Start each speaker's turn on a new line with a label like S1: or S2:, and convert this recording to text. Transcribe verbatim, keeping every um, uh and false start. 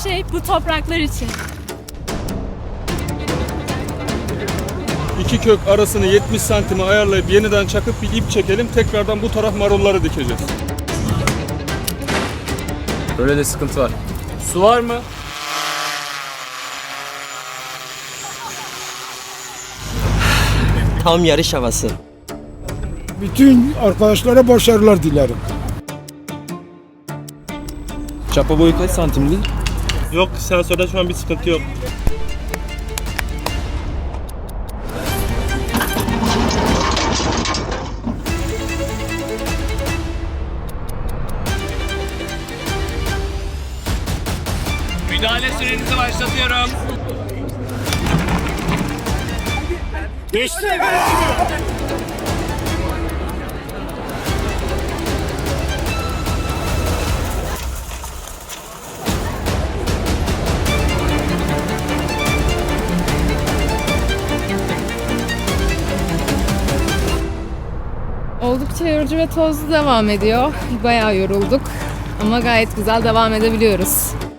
S1: şey bu topraklar için.
S2: İki kök arasını yetmiş santime ayarlayıp yeniden çakıp bir ip çekelim. Tekrardan bu taraf marulları dikeceğiz.
S3: Böyle de sıkıntı var. Su var mı?
S4: Tam yarış havası.
S5: Bütün arkadaşlara başarılar dilerim.
S3: Çapa boyu kaç santimdi?
S2: Yok, sensörde şu an bir sıkıntı yok.
S3: Müdahale sürenizi başlatıyorum.
S5: Geçti.
S6: Oldukça yorucu ve tozlu devam ediyor. Bayağı yorulduk ama gayet güzel devam edebiliyoruz.